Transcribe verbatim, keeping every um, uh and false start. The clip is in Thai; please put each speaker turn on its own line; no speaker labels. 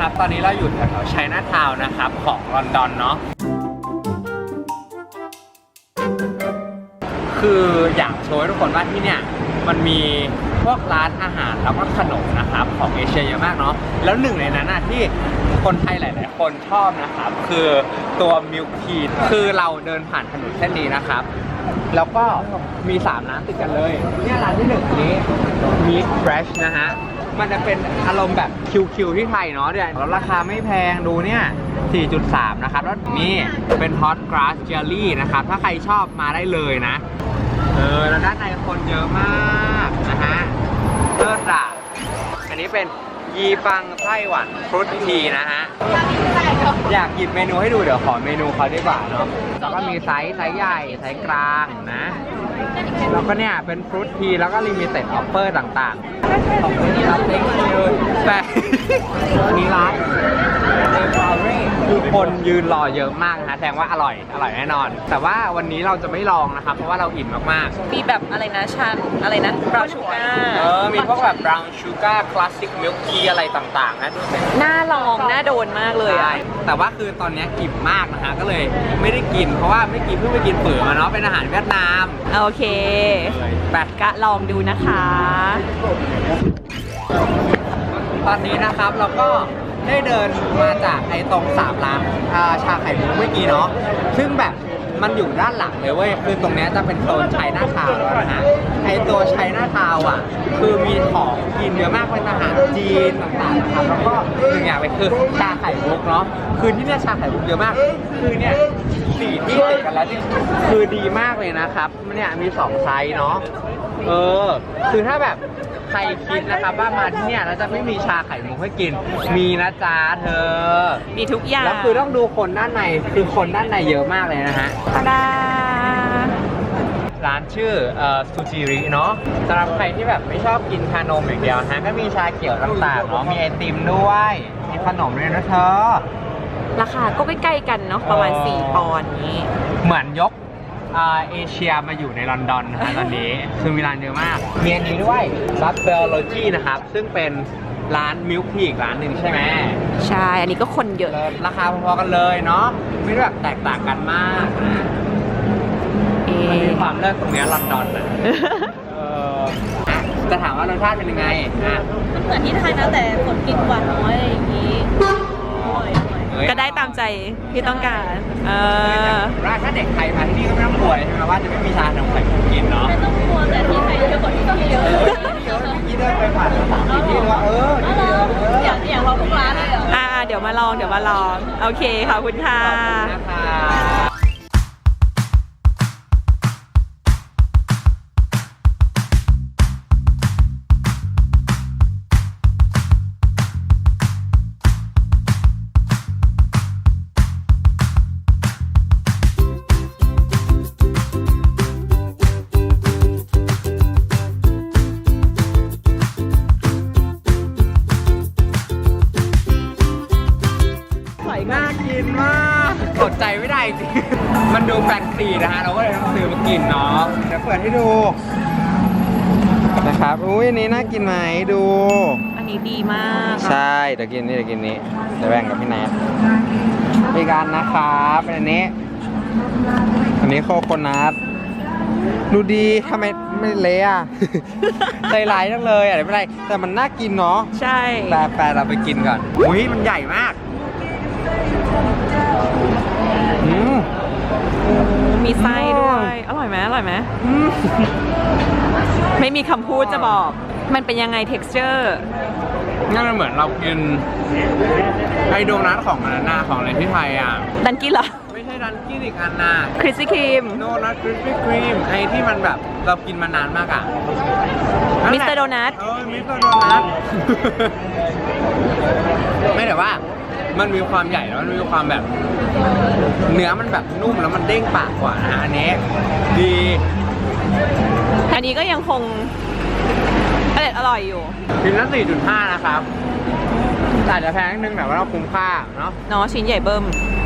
นะครับตอนนี้เราอยู่แถวๆไชน่าทาวน์นะครับของลอนดอนเนาะคืออยากโชว์ให้ทุกคนว่าที่เนี่ยมันมีพวกร้านอาหารแล้วก็ขนมนะครับของเอเชียเยอะมากเนาะแล้วหนึ่งในนั้นนะที่คนไทยหลายๆคนชอบนะครับคือตัวมิลค์ทีคือเราเดินผ่านถนนเส้นนี้นะครับแล้วก็มีสามร้านติดกันเลยเนี่ยร้านที่หนึ่งนี้ Meet Fresh นะฮะมันจะเป็นอารมณ์แบบคิวๆที่ไทยเนาะเดี๋ยวแล้วราคาไม่แพงดูเนี่ย สี่จุดสาม นะครับแล้วนี่เป็น Hot Grass Jelly นะครับถ้าใครชอบมาได้เลยนะเออแล้วด้านในคนเยอะมากนะฮะเลิศอ่ะอันนี้เป็นยีฟังไต้หวันฟรุตทีนะฮะอยากหยิบเมนูให้ดูเดี๋ยวขอเมนูเขาดีกว่าเนาะแล้วก็มีไซส์ไซส์ใหญ่ไซส์กลางนะแล้วก็เนี่ยเป็นฟรุตทีแล้วก็ลิมิเต็ดออฟเฟอร์ต่างๆของนี้รับเต็งเลยแต่อันนี้ร้านคือคนยืนรอเยอะมากนะแสดงว่าอร่อยอร่อยแน่นอนแต่ว่าวันนี้เราจะไม่ลองนะครับเพราะว่าเราอิ่มมากๆ
มีแบบอะไรนะชันอะไรนะบราวน์ชูการ์
เออมีพวกแบบ brown sugar classic milk tea อะไรต่างๆนะ
น่าลองน่าโดนมากเลยอะ
แต่ว่าคือตอนนี้อิ่มมากนะฮะก็เลยไม่ได้กินเพราะว่าไม่กินเพิ่งไปกินเป๋อมาเนาะเป็นอาหารเวียดนาม
โอเค
ไป
กะลองดูนะคะ
ตอนนี้นะครับเราก็ได้เดินมาจากไอ้ตรงสามร้านชาไข่มุกเมื่อกี้เนาะซึ่งแบบมันอยู่ด้านหลังเลยเว้ยคือตรงนี้จะเป็นโซนไชน่าทาวน์แล้วนะฮะไอ้ตัวไชน่าทาวน์อ่ะคือมีของกินเยอะมากเป็นอาหารจีนต่างๆนะครับแล้วก็หนึ่งอย่างเลยคือชาไข่มุกเนาะคือที่เนี่ยชาไข่มุกเยอะมากคือเนี่ยสี่ที่ติดกันแล้วคือดีมากเลยนะครับเนี่ยมีสองไซส์เนาะเออคือถ้าแบบใครคิดนะครับว่ามาที่เนี่ยเราจะไม่มีชาไข่มุกให้กินมีนะจ๊ะเธอ
มีทุกอย่าง
แล้วคือต้องดูคนด้านในคือคนด้านในเยอะมากเลยนะฮะ
ตาดา
ร้านชื่อเอ่อซูจิริเนาะสำหรับใครที่แบบไม่ชอบกินชานมอย่างเดียวฮะก็มีชาเขียวต่างๆเนาะมีไอติมด้วยมีขนมด้วยนะเธอ
ราคาก็ใกล้ๆกันเนาะประมาณสี่ปอนด์นี้
เหมือนยกเอเชียมาอยู่ในลอนดอนนะฮะตอนนี้คือมีร้านเยอะมากมีอันนี้ด้วยบัฟเฟลโลจีนะครับซึ่งเป็นร้านมิลค์ทีอีกร้านหนึ่งใช่ไหม
ใช่อันนี้ก็คนเยอะ
ราคาพอๆกันเลยเนาะไม่ได้แบบแตกต่างกันมากนะมันมีความเลิศตรงนี้ลอนดอนนะจะถามว่ารสชาติเป็นยังไงอ่ะ
มันเหมือนที่ไทยนะแต่ผลกินหวานน้อยอย่างนี้ก็ได้ตามใจที่ต้องการเออ
ถ้าเด็กไทยมาที่นี่ก็ไม่ต้องกลัวใช่ไหมว่าจะไม่มีชานมไข่มุกกินเนาะ
ไม่ต้องกลัวแต่ที่ไทยเยอะกว่าที่นี่เยอะ
เยอะที่เดินไปผ่านสามที่ว่าเออนี่เยอะ
อย่างอย่างเราทุกร้านเลยเหรออ่าเดี๋ยวมาลองเดี๋ยวมาลองโอเคขอบคุณค่ะ
น่ากินมากอดใจไม่ได้จริงมันดูแฟนซีนะฮะเราก็เลยต้องซื้อมากินเนาะเดี๋ยวเปิดให้ดูนะครับอุ้ยอันนี้น่ากินไหมดู
อันนี้ดีมาก
ใช่เดี๋ยวกินนี่เดี๋ยวกินนี้เดี๋ยวแบ่งกับพี่แนทอีกอันนะครับเป็นอันนี้อันนี้โคโคนัทดูดีทำไมไม่เละอ่ะใจร้ายจังเลยอะไรไม่เป็นไรแต่มันน่ากินเนาะ
ใช่
แต่แปลเราไปกินก่อนอุ้ยมันใหญ่มาก
มีไส้ด้วยอร่อยไหมอร่อยไหมไม่มีคำพูดจะบอกมันเป็นยังไง texture
งั้นมันเหมือนเรากินไอโดนัทของอันนั้นของอะไรที่ไทยอ่ะ
ดันกี้เหรอ
ไม่ใช่ดันกี้อีกอันน่ะ
คริสปี้ครีม
โดนัทคริสปี้ครีมไอที่มันแบบเรากินมานานมากอ่ะ
มิสเตอร์โดนัท
เออมิสเตอร์โดนัทไม่แต่ว่ามันมีความใหญ่แล้วมันมีความแบบเนื้อมันแบบนุ่มแล้วมันเด้งปากกว่านะฮะอันนี้ดี
อันนี้ก็ยังคงอร่อยอร่อยอยู่
ชิ้นละ สี่จุดห้า นะครับแต่จะแพงนิดนึงแต่ว่าเราคุ้มค่าเนาะ
เนาะชิ้นใหญ่เบิ้ม